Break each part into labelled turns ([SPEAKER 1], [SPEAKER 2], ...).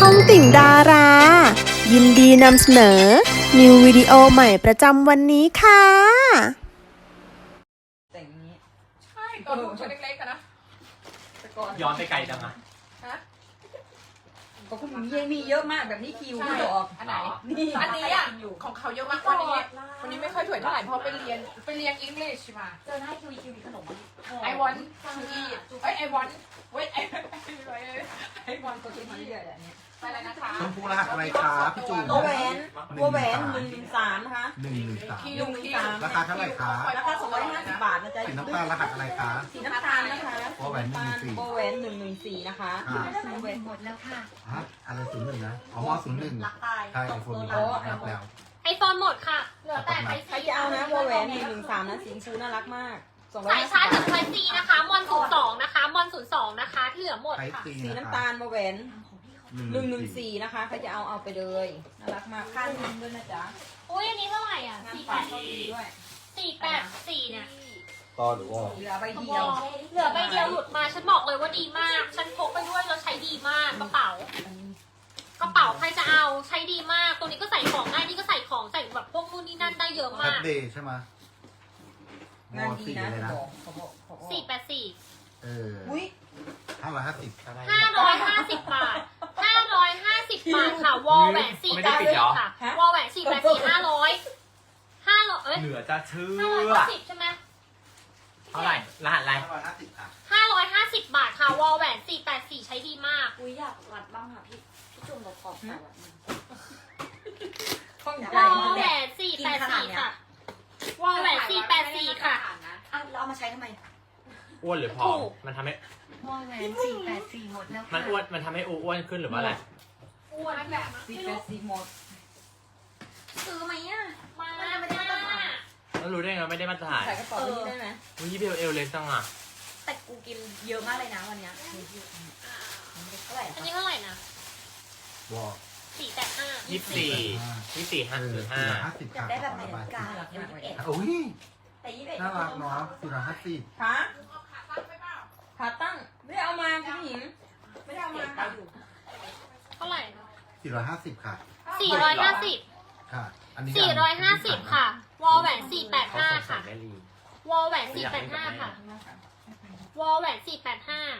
[SPEAKER 1] องติ่งดารา ยินดีนำเสนอ นิววิดีโอใหม่ประจำวันนี้ค่ะ
[SPEAKER 2] แต่งนี้
[SPEAKER 3] ใช่ตอนลูกตัวเล็กๆกันนะ
[SPEAKER 2] แต่ก่อน
[SPEAKER 4] ย้อนไปไกลจังอะ
[SPEAKER 3] ฮะ
[SPEAKER 2] ก็คุณมีเยอะมากแบบนี้คิวไม่ดอก
[SPEAKER 3] อันไหน
[SPEAKER 2] นี่
[SPEAKER 3] อันนี้อ่ะของเขาเยอะมากวันนี้ไม่ค่อยสวยเท่าไหร่เพราะไปเรียนอังกฤษมา
[SPEAKER 5] เจอหน้าคิวมีขนม
[SPEAKER 3] I want to eat เอ้ย I want wait I want
[SPEAKER 2] ก็
[SPEAKER 3] to
[SPEAKER 2] คิดมา
[SPEAKER 3] eat
[SPEAKER 2] เรื่อยๆอันนี้
[SPEAKER 3] ไปเลยนะคะ
[SPEAKER 6] ชมพูรหัสอะไรครับพี่จูน
[SPEAKER 2] ตัวแหวน113นะคะ
[SPEAKER 6] 113
[SPEAKER 3] คิวคิว
[SPEAKER 6] ราคาเท่าไหร่คะ
[SPEAKER 2] ราคา250 บาทนะจ๊ะ
[SPEAKER 6] สีน้ำตาลรหัสอะไรคะ
[SPEAKER 2] สีน้ำตาลนะคะ
[SPEAKER 6] โบแหวน114
[SPEAKER 2] โบแหวน114นะคะ
[SPEAKER 6] ค่ะ
[SPEAKER 5] หมดแล้วค่ะ
[SPEAKER 6] ฮะอะไร01นะอ๋อม01
[SPEAKER 5] รักตาย
[SPEAKER 6] ใช่ไอโฟนมีรับแล้ว
[SPEAKER 7] ไอโฟนหมดค่ะ เหลือแต่ไทย
[SPEAKER 2] ใคร
[SPEAKER 7] ซี
[SPEAKER 2] จะเอานะโบแหวน113นะสีชมพูน่ารักมาก250
[SPEAKER 7] สายชาร์จจาก
[SPEAKER 2] บาท
[SPEAKER 7] ไทยซีนะคะ มอน02นะคะ มอน02นะคะ ที่เหลือหมด
[SPEAKER 6] ไทย
[SPEAKER 7] ค่ะ
[SPEAKER 6] ซี
[SPEAKER 2] สี
[SPEAKER 6] นะ
[SPEAKER 2] น้ำ
[SPEAKER 6] คะ
[SPEAKER 2] ตาลโบแหวน
[SPEAKER 6] 114
[SPEAKER 2] นะคะใครจะเอาไปเลยน่ารักมากค่าเงินด้วยนะจ๊ะ
[SPEAKER 7] อุ้ยอันนี้เท่าไหร่อ่ะ
[SPEAKER 2] งานฝากเขาดีด้วย
[SPEAKER 7] 484เนี่ย
[SPEAKER 6] ต่อหรือว่า
[SPEAKER 2] เหลือใบเดียว
[SPEAKER 7] เหลือใบเดียวหลุดมา ฉันบอกเลยว่าดีมาก ฉันพกไปด้วยแล้วใช้ดีมากกระเป๋า กระเป๋าใครจะเอาใช้ดีมาก ตัวนี้ก็ใส่ของได้ นี่ก็ใส่ของใส่แบบพวกนู่นนี่นั่นได้เยอะ
[SPEAKER 6] แพ
[SPEAKER 7] มา
[SPEAKER 6] ด
[SPEAKER 7] ก
[SPEAKER 6] เดย์ใช่ไหม
[SPEAKER 2] งานดี
[SPEAKER 6] สี่
[SPEAKER 2] นะ
[SPEAKER 6] เลยนะ
[SPEAKER 2] เขาบอก
[SPEAKER 7] 484
[SPEAKER 6] เออ
[SPEAKER 2] อุ้ย
[SPEAKER 6] 550
[SPEAKER 7] 550 บาท 550 บาทค่ะ วอลแหวน484ค่ะ วอลแหวน484 500เอ้ย
[SPEAKER 4] เหนือจะเชื่อ
[SPEAKER 7] 590ใช่ไหม
[SPEAKER 4] เท่าไหร่รหัสอะไร
[SPEAKER 6] 550ค่ะ
[SPEAKER 7] 550 บาทค่ะ วอลแหวน484 ใช้ดีมาก
[SPEAKER 5] อุ้ยอยากรัดบ้างค่ะพี่จุ่มเราขอบใส่แบบนี้
[SPEAKER 2] ข้องใจ
[SPEAKER 7] วอลแหวน484 ค่ะ วอลแหวน484 ค่ะ
[SPEAKER 5] อ่ะเราเอามาใช้ทำไม
[SPEAKER 4] อ้วนหรือผอมมันทำให้
[SPEAKER 5] วอลแหวน484หมดแล้ว
[SPEAKER 4] มันอ้วนมันทำให้อ้วนขึ้นหรือว่าอะไร
[SPEAKER 7] อ้วนแบบ
[SPEAKER 2] สีเป็นสีหมด
[SPEAKER 5] ซื้อไหมอ่ะ
[SPEAKER 7] มา
[SPEAKER 5] มันไม่ได้มาตรฐาน
[SPEAKER 4] แล้วรู้ได้ไงไม่ได้มาตรฐาน
[SPEAKER 2] ใส่กระเป๋านี้ได้ไหม
[SPEAKER 4] วิเบลเอลเล็กจังอ่ะ
[SPEAKER 5] แต่กูกินเยอะมากเลยนะวันเนี้ยเท่าไหร่
[SPEAKER 7] อันนี้เท่าไหร่นะ
[SPEAKER 6] วอล
[SPEAKER 7] 485
[SPEAKER 4] 24
[SPEAKER 6] เออ
[SPEAKER 4] 505
[SPEAKER 6] 450
[SPEAKER 5] อยา
[SPEAKER 6] ค่ะ
[SPEAKER 5] กได้แบบ
[SPEAKER 6] ข
[SPEAKER 5] ไหน
[SPEAKER 6] อระบาย
[SPEAKER 5] กา21
[SPEAKER 6] อุ้ย
[SPEAKER 5] แต่21
[SPEAKER 6] น่ารักเนาะ450
[SPEAKER 2] ขาขาตั้งไม่ได้เอามาคุณหญิงไม่ได้เอามาค่ะ
[SPEAKER 7] เท่าไหร่
[SPEAKER 6] 450 ค่ะ
[SPEAKER 7] 450
[SPEAKER 6] ค่ะ อันนี้
[SPEAKER 7] 450 ค่ะ วอลแหวน
[SPEAKER 4] เขาสง
[SPEAKER 7] 485
[SPEAKER 4] สั
[SPEAKER 7] ค่ะ
[SPEAKER 4] ยแม่ลี
[SPEAKER 7] วอลแหวน485 ค่ะ วอลแหวน485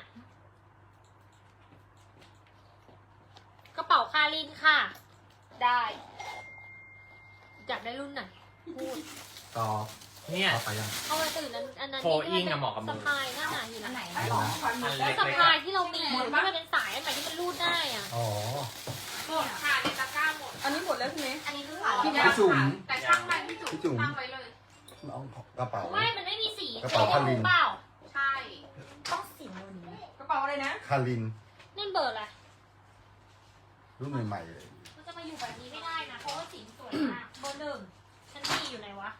[SPEAKER 7] กระเป๋าคารินค่ะ ได้ อยากได้รุ่นไหน พูด
[SPEAKER 6] ต่อ
[SPEAKER 4] เนี่ย
[SPEAKER 6] ต่อไปยัง
[SPEAKER 7] เอามาตื่นอันนั้น
[SPEAKER 4] โฟอิงอะเหมาะกับมึ
[SPEAKER 7] สะ
[SPEAKER 4] ง
[SPEAKER 7] พายหน้าหนาอยู่
[SPEAKER 5] อัน
[SPEAKER 7] นะ
[SPEAKER 5] ไหน
[SPEAKER 6] อัน
[SPEAKER 5] หรอ
[SPEAKER 6] นะ
[SPEAKER 4] อัน
[SPEAKER 7] แล้ว
[SPEAKER 4] เล็ก
[SPEAKER 7] สะ
[SPEAKER 4] ๆ
[SPEAKER 7] พา
[SPEAKER 4] อะ
[SPEAKER 7] ยที่เรามีที่มันเป็นสายอันไหนที่มันรูดได้อะ
[SPEAKER 6] อ๋อ
[SPEAKER 3] หมดค่ะในตะกร้าหมด
[SPEAKER 2] อันนี้หมดแล้วใช่ไหม
[SPEAKER 5] อันนี้คือขาย
[SPEAKER 6] พี่จุ๋ม
[SPEAKER 3] แต่ช่างมันพี่จุ๋ม
[SPEAKER 6] พี่จุ๋ม
[SPEAKER 3] ตั้งไว้เลย
[SPEAKER 6] เอากระเป๋า
[SPEAKER 7] ไม่ มันไม่มีสี
[SPEAKER 6] กระเป๋าคาริน
[SPEAKER 7] เปล่า
[SPEAKER 3] ใช่
[SPEAKER 5] ต้องสีนูนนี้
[SPEAKER 2] กระเป๋าอะไรนะ
[SPEAKER 6] คาริน
[SPEAKER 7] นี่เบอร์อะไร
[SPEAKER 6] รุ่นใหม่ๆเลย
[SPEAKER 7] มันจะมาอยู่แบบนี้ไม่ได้นะ เพราะว่าสีสวยมาก เบอร์หนึ่งฉันมีอยู่ไหนวะ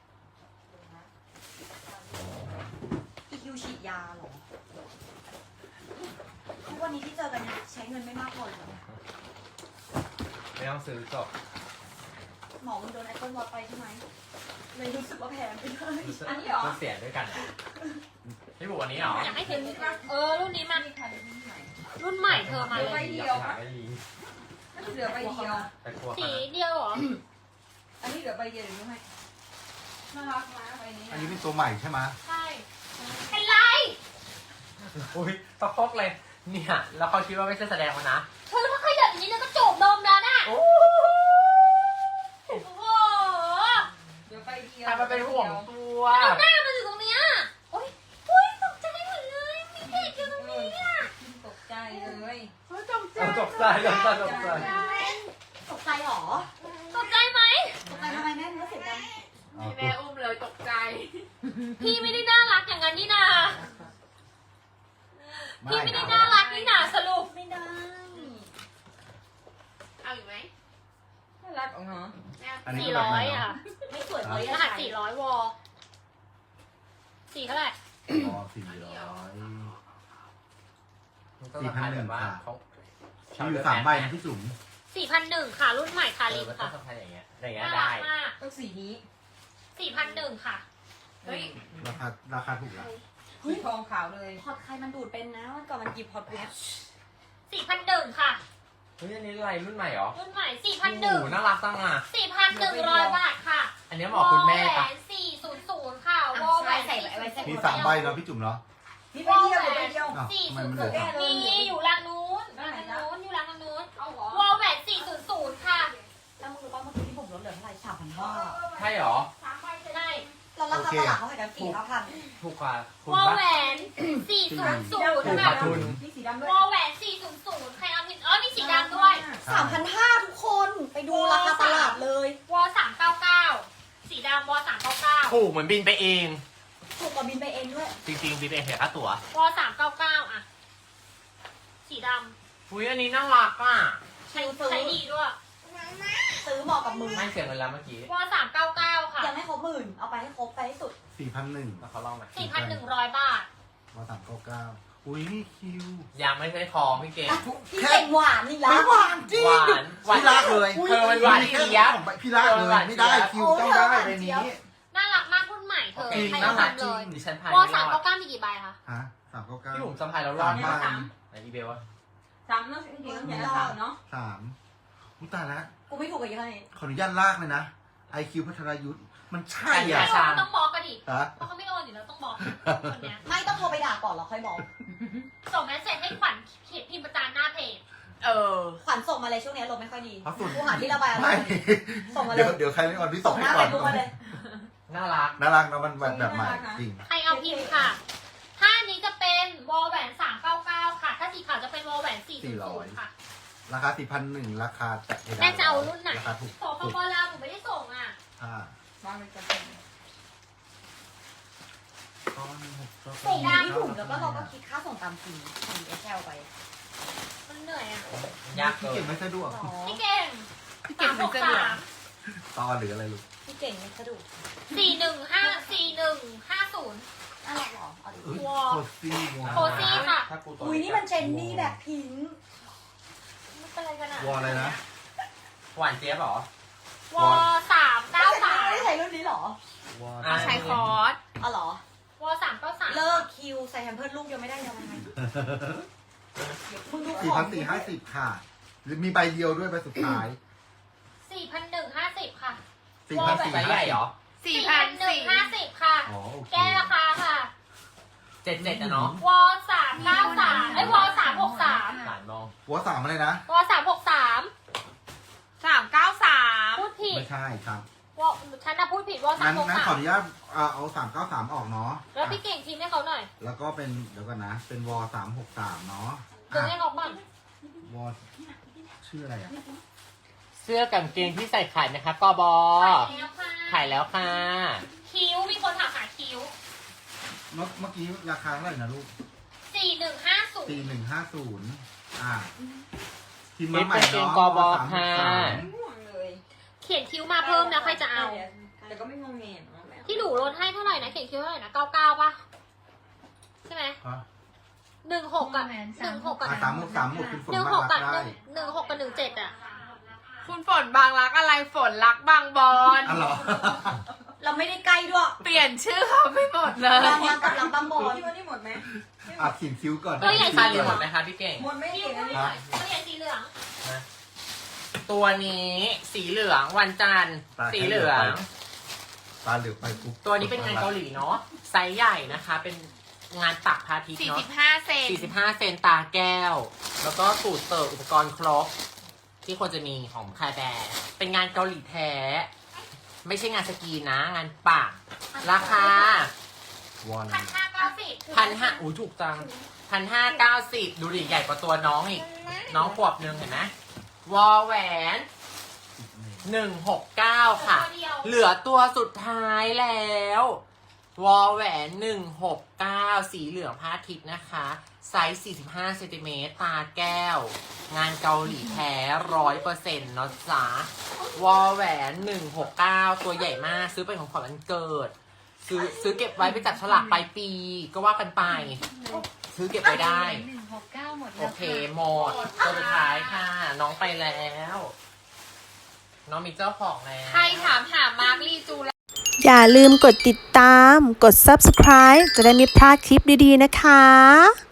[SPEAKER 5] อีคิวฉีดยาเหรอทุกวันนี้ที่เจอกันใช้เงินไม่มากพอเลยเนี่ย
[SPEAKER 4] ไม่ต้องซื้อจบ
[SPEAKER 5] หมอมึงโดนแอปเปิลวอตไปใช่ไหมเลยรู้สึกว่าแพงไปเลย
[SPEAKER 2] อันนี้เหรอ
[SPEAKER 4] ก็เสียด้วยกันอะพี่บุกอันนี้เหรอ
[SPEAKER 7] อยากให้เห็นรุ่นนี้มัน
[SPEAKER 2] นี่ค่ะรุ่นใหม่
[SPEAKER 7] รุ่นใหม่เธอมา
[SPEAKER 2] ใบ
[SPEAKER 7] เลย
[SPEAKER 2] เดียวปะ
[SPEAKER 4] ไม่ลี
[SPEAKER 2] น่าจะเหลือใบเดียว
[SPEAKER 4] ไปครัว
[SPEAKER 7] สี
[SPEAKER 4] กัน
[SPEAKER 7] เดียวเหรอ
[SPEAKER 2] อันนี้เหลือใบเดียวหรือไม่น่ารักนะใบนี้
[SPEAKER 6] อันนี้เป็นตัวใหม่ใช่ไหม
[SPEAKER 7] ใช่ เป็นไร
[SPEAKER 4] อุ้ยตะคอกเลย เนี่ย แล้วเขาคิดว่าไม่ใช่แสดงมานะ
[SPEAKER 7] เธอถ้าขยับอย่างนี้แล้วก็จูบนมแล้วน่ะ
[SPEAKER 4] โอ้
[SPEAKER 7] โอ้โห
[SPEAKER 2] เหลือใบเดียว
[SPEAKER 4] ทำมาเป็นห่วงตัว
[SPEAKER 7] เอาหน้ามาอยู่ตรงเนี้ยโอ๊ยโอ๊ยตกใจหมดเลย มีเด็กอยู่ตรงนี้อ่ะ
[SPEAKER 2] ตกใจเลย
[SPEAKER 4] เอาตกใจตกใจตกใจ
[SPEAKER 5] ตกใจเหรอ
[SPEAKER 7] ตกใจไหม
[SPEAKER 5] ตกใจทำไมแม่เนื้อเสียงดัง
[SPEAKER 6] เอา
[SPEAKER 3] มีแม่อุ้มเลยตกใจ
[SPEAKER 7] พี่ไม่ได้น่ารักอย่างนั้นนี่นา
[SPEAKER 6] ไม่
[SPEAKER 7] พี่ไม่ได้น่ารักนี่นาสรุป
[SPEAKER 5] ไม่ได้
[SPEAKER 3] เอาอยู่ไหม
[SPEAKER 2] น่ารักอ๋อฮะ
[SPEAKER 3] แม่
[SPEAKER 6] อันนี้ก็แบบใหม่
[SPEAKER 7] 400
[SPEAKER 6] เนาะ
[SPEAKER 7] อ่ะ
[SPEAKER 5] ไม่สวยเลย
[SPEAKER 7] รหัส400 วอ4เท่าไหร่
[SPEAKER 6] อ๋อ400
[SPEAKER 4] ก็สะพายแบบว่าเขา
[SPEAKER 6] มีอยู่3ใบนะพี่จุ๋ม
[SPEAKER 7] 4,001 ค่ะ รุ่นใหม่คาริน
[SPEAKER 4] มันต้อ
[SPEAKER 7] ค่ะ
[SPEAKER 4] งสะพายอย่างเงี้ยอย่างเงี้ย
[SPEAKER 7] น่า
[SPEAKER 4] ได้
[SPEAKER 7] รักมาก
[SPEAKER 2] ต้องสีนี้
[SPEAKER 7] 4,001 ค่ะ
[SPEAKER 3] เฮ้ย
[SPEAKER 6] ราคาถูกแล้ว
[SPEAKER 2] สีทองขาวเลย
[SPEAKER 5] พอดใครมันดูดเป็นนะวันก่อนมันหยิบพอดเว็บ
[SPEAKER 7] 4,001 ค่ะ
[SPEAKER 4] เฮ้ยอันนี้อะไรรุ่นใหม่เหรอ
[SPEAKER 7] รุ่นใหม่
[SPEAKER 4] โอ้โห
[SPEAKER 7] 4,100
[SPEAKER 4] น่ารักจังอ่ะ
[SPEAKER 7] 4,100 บาทค่ะ
[SPEAKER 4] อันนี้เหมาะคุณแม่ปะ
[SPEAKER 7] วอแหวน400 ค่ะวอแหวน
[SPEAKER 5] ใส่ไว้ใส่
[SPEAKER 6] มี3ใบเนาะพี่จุ๋มเนาะ
[SPEAKER 5] นี่ไปเที่ยวไปเที่ยว
[SPEAKER 6] อ้าวทำไมมันเหลือ
[SPEAKER 7] มีอยู่ร้านนู้นอยู่ร้านนู้น
[SPEAKER 5] เอาเหรอ
[SPEAKER 7] วอแหวน400 ค่ะ
[SPEAKER 5] แล้วมึงรู้ป่ะเมื่อกี้ที่ผมลดเหลือเท่าไหร่3,500
[SPEAKER 4] ใช่เหรอ
[SPEAKER 7] ใช่
[SPEAKER 5] แล้วราคาตลาดเขาขายกัน4,000
[SPEAKER 4] ถูกกว่าคุณ
[SPEAKER 7] วอ
[SPEAKER 4] ปะ
[SPEAKER 7] แหวน400
[SPEAKER 4] ถูกกว่าทุน
[SPEAKER 5] มีสีดำด้วย
[SPEAKER 7] วอแหวน400 ใครเอาผิดมีสีดำด้วย
[SPEAKER 5] 3,500ทุกคนไปดูราคาตลาดเลยว
[SPEAKER 7] อ399 สีดำวอ399
[SPEAKER 4] ถูกเหมือนบินไปเอง
[SPEAKER 5] ถูกกว่าบินไปเองด้วย
[SPEAKER 4] จริงๆบินไปเองเสียค่าตั๋ว
[SPEAKER 7] วอ399อ่ะ สีด
[SPEAKER 4] อุ้ยอันนี้น่ารักอ่ะ
[SPEAKER 7] ำใช้ดีด้วย
[SPEAKER 5] ซื้อเหมาะกับมือ
[SPEAKER 4] ไม่เสียเงินแล้วเมื่อกี้
[SPEAKER 7] วอ399 ค่ะ
[SPEAKER 5] ยังไม่ครบ10,000เอาไปให้ครบไปให้สุด
[SPEAKER 6] 4,100
[SPEAKER 4] แล้วเขาลองไหม
[SPEAKER 7] 4,100 บาท
[SPEAKER 6] ว่า399อุ้ยนี่คิว
[SPEAKER 4] ยังไม่ใช่ทองพี่เก่ง
[SPEAKER 5] พี่เก่งหวานนี่ละ
[SPEAKER 6] ไม่หวานจริง
[SPEAKER 4] หวานหวาน
[SPEAKER 6] พี่รักเลย
[SPEAKER 4] เธอมันหวานเจี๊ยบ
[SPEAKER 6] พี่รักเลยไม่ได้คิวต้องได้ใบนี้
[SPEAKER 7] น่ารักมากรุ่นใหม่เธอ
[SPEAKER 6] จริง
[SPEAKER 7] ใคร
[SPEAKER 6] น่า
[SPEAKER 7] เอา
[SPEAKER 6] รัก
[SPEAKER 7] ทำเลย
[SPEAKER 4] ดิฉันพาย
[SPEAKER 7] วอ
[SPEAKER 4] ไม่รอด
[SPEAKER 7] 399มีกี่ใบคะ
[SPEAKER 6] ฮะ
[SPEAKER 4] พี่บุ๋ม
[SPEAKER 6] 399
[SPEAKER 4] สะพายแล้วรอด
[SPEAKER 6] 3ใบ
[SPEAKER 4] ไหนอีเบลวะ
[SPEAKER 2] 3เนาะจริงๆต้องใช้3เนาะ
[SPEAKER 6] 3อุ้ยตายแล้ว
[SPEAKER 5] กูไม่ถูกกับยี่ห้อนี้
[SPEAKER 6] ขออนุญาตลากเลยนะ IQ พัทรยุทธ์มันใช่
[SPEAKER 4] ใช่
[SPEAKER 6] อ่ะ
[SPEAKER 4] ใช่
[SPEAKER 7] ต้องบล็อกกันดิ
[SPEAKER 6] ฮะ
[SPEAKER 7] เพราะเขาไม่โอนอยู่แล้วต้องบล็อกคนเนี้ย
[SPEAKER 5] ไม่ต้องโทรไปด่าก่อนแล้วค่อยบอก
[SPEAKER 7] ส่งแมสเซจให้ขวัญเขียนพิมพ์ประจานหน้าเพจ
[SPEAKER 5] ขวัญส่งมาเลยช่วงนี้ลมไม่ค่อยดี
[SPEAKER 6] เพราะส่วน
[SPEAKER 5] กูหาที่ระบายอาร
[SPEAKER 6] ไม่
[SPEAKER 5] มณ์ส่งมาเลย
[SPEAKER 6] เดี๋ยวใครไม่ออนพี่
[SPEAKER 5] ส่
[SPEAKER 6] ส่
[SPEAKER 5] ง
[SPEAKER 6] ง
[SPEAKER 5] ห
[SPEAKER 6] ให้
[SPEAKER 5] น้า
[SPEAKER 6] ก่
[SPEAKER 5] เฟ
[SPEAKER 6] อน
[SPEAKER 5] ซบุ๊กมาเลย
[SPEAKER 4] น่ารัก
[SPEAKER 6] น่ารักนะมันแบบใหม่จริง
[SPEAKER 7] ใครเอาพิมพ์ค่ะถ้าอันนี้จะเป็นวอลแหวน399 ค่ะ ถ้าสีขาวจะเป็นวอลแหวน400 ค่ะ
[SPEAKER 6] ราคา 4,100 ราคาแต่
[SPEAKER 7] แม่จะเอารุ่นไหน
[SPEAKER 6] ราคาถูก
[SPEAKER 7] สปปลาวหนูไม่ได้ส่งอ่ะ
[SPEAKER 6] อ่า
[SPEAKER 2] วางไปกัน
[SPEAKER 5] ส่งที่ถุงแล้วก็เราก็คิดค่าส่งตามฟรีส่ง DHL ไป
[SPEAKER 7] มันเหนื่อยอ่ะ
[SPEAKER 4] ยาก
[SPEAKER 6] พี่
[SPEAKER 4] เกิ
[SPEAKER 6] เก่
[SPEAKER 4] น
[SPEAKER 6] งไม่สะดวก
[SPEAKER 7] พี่เก่ง363
[SPEAKER 6] ตอหรืออะไรลูก
[SPEAKER 5] พี่เก่งไม่สะดวก
[SPEAKER 7] 4150
[SPEAKER 5] น่ารักเหรอเอาดิ
[SPEAKER 6] เอ้ย
[SPEAKER 7] ว้าว
[SPEAKER 6] โคซี่
[SPEAKER 7] โคซี่ค่ะ
[SPEAKER 4] ถ้ากูตัว
[SPEAKER 5] อุ้ยนี่มันเจนนี่แบบพิงค์
[SPEAKER 7] ไม่เป็นไรกันอ่ะ
[SPEAKER 6] วออะไรนะ
[SPEAKER 4] หวานเจี๊ยบเหรอ
[SPEAKER 7] วอ
[SPEAKER 5] ไม่ได้ใช้รุ่นนี้เหรอ
[SPEAKER 6] วอ
[SPEAKER 4] อ่ะ
[SPEAKER 2] ใช้คอร์ส
[SPEAKER 5] อ๋อเหรอ
[SPEAKER 7] วอ393
[SPEAKER 5] เลิกคิวใส่แฮมเพิร์ดลูกยังไม่ได้ยังไงมึงดูของ
[SPEAKER 6] 4,450 ค่ะ หรือมีใบเดียวด้วยใบสุดท้าย
[SPEAKER 7] 4,150 ค่ะ
[SPEAKER 4] ไซส์ใหญ่เหรอ
[SPEAKER 7] 4,150 ค่ะ
[SPEAKER 6] อ๋อโอเค
[SPEAKER 7] แก้ราคาค่ะ
[SPEAKER 4] 77นะเนาะ
[SPEAKER 7] วอ393วอ363
[SPEAKER 4] หลานมอง
[SPEAKER 6] หัว3อะไรนะ
[SPEAKER 7] วอ363
[SPEAKER 2] 393
[SPEAKER 7] พูดผิด
[SPEAKER 6] ไม่ใช่ครับ
[SPEAKER 7] วอฉันน่ะพูดผิดวอ
[SPEAKER 6] งั้นขออนุ
[SPEAKER 7] 363
[SPEAKER 6] ญาตเอา393 ออกเนาะ
[SPEAKER 7] แล้วพี่เก่งทีมให้เขาหน่อย
[SPEAKER 6] แล้วก็เป็นเดี๋ยวก่อนนะ เป็นวอ363 เนาะ
[SPEAKER 7] ดึงให้เขาบ้าง
[SPEAKER 6] วอชื่ออะไรอ่ะ
[SPEAKER 4] เสื้อกางเกงที่ใส่ขายนะคะกบ
[SPEAKER 7] ขายแล้วค่ะ
[SPEAKER 4] ขายแล้วค่ะ
[SPEAKER 7] คิ้วมีคนถามหาคิ้ว
[SPEAKER 6] เมื่อกี้ราคาเท่าไหร่นะลูก
[SPEAKER 7] 4150
[SPEAKER 6] 4150 อ่าทีม
[SPEAKER 4] นี่
[SPEAKER 6] มาใหม่
[SPEAKER 4] เป็นเกง
[SPEAKER 6] เนาะ
[SPEAKER 4] กบค่ะ
[SPEAKER 2] ม่วงเลย
[SPEAKER 7] เขียนคิ้วมาเพิ่มนะใครจะเอา
[SPEAKER 2] แต่ก็ไม่งงเงียน
[SPEAKER 7] ที่หนูลดให้เท่าไหร่นะเขียนคิ้วเท่าไหร่นะ99ป่ะใช่ไหม
[SPEAKER 6] ฮะ
[SPEAKER 7] 16กับ16กับ
[SPEAKER 6] 363หมดคุณฝน
[SPEAKER 7] 16
[SPEAKER 6] มา
[SPEAKER 7] กับ
[SPEAKER 6] รักได้
[SPEAKER 7] 16กับ17อ่ะ
[SPEAKER 2] คุณฝนบางรักอะไรฝนรักบางบอน
[SPEAKER 6] อ๋อเหรอ
[SPEAKER 5] เราไม่ได้ใกล้ด้วย
[SPEAKER 2] เปลี่ยนชื่อเขาไม่หมดเลย
[SPEAKER 5] บางวันกับลำบางบอน
[SPEAKER 2] พี่วันนี้หมดไหม
[SPEAKER 6] อ่ะเขียนคิ้วก่อน
[SPEAKER 7] ตัวใหญ่
[SPEAKER 4] ทานเลยหมดไหมคะพี่เก่ง
[SPEAKER 2] หมดไม่
[SPEAKER 7] คิ้
[SPEAKER 2] เก่
[SPEAKER 7] ว
[SPEAKER 2] งอันนี้
[SPEAKER 7] หน่อยตัวใหญ่สีเหลือง
[SPEAKER 4] ตัวนี้สีเหลืองวันจันทร์สีเหลือง
[SPEAKER 6] ตาเหลือกไปปุ๊บ
[SPEAKER 4] ตัวนี้เป็นงานเกาหลีเนาะไซส์ใหญ่นะคะ เป็นงานปักพาทิตย์เนาะ
[SPEAKER 2] 45 เซน
[SPEAKER 4] 45 เซนตาแก้ว แล้วก็สูตรเสิร์ฟอุปกรณ์ครบ ที่ควรจะมีของคาแบร์เป็นงานเกาหลีแท้ ไม่ใช่งานสกรีนนะ งานปักราคา
[SPEAKER 6] วอน
[SPEAKER 7] 1,590
[SPEAKER 4] 1,500อู้ถูกจัง1,590 ดูดิใหญ่กว่าตัวน้องอีก น้องขวบนึงเห็นไหมวอแหวน 169 ค่ะ
[SPEAKER 7] ตัวเดียว
[SPEAKER 4] เหลือตัวสุดท้ายแล้ว วอแหวน 169 สีเหลืองพาทิตย์นะคะ ไซส์45 เซนติเมตร ตาแก้ว งานเกาหลีแท้ 100%เนาะจ๊ะ วอแหวน 169 ตัวใหญ่มาก ซื้อเป็นของขวัญวันเกิด ซื้อเก็บไว้ไปจับฉลากปลายปี ก็ว่ากันไป ซื้อเก็บไว้ได้
[SPEAKER 5] 169หมด
[SPEAKER 4] โอเค หมด ตัวสุดท้ายค่ะ น้องไปแล้ว น้องมีเจ้าของแล้ว
[SPEAKER 2] ใครถามหามาร์คลีจู
[SPEAKER 1] อย่าลืมกดติดตาม กด subscribe จะได้ไม่พลาดคลิปดีๆนะคะ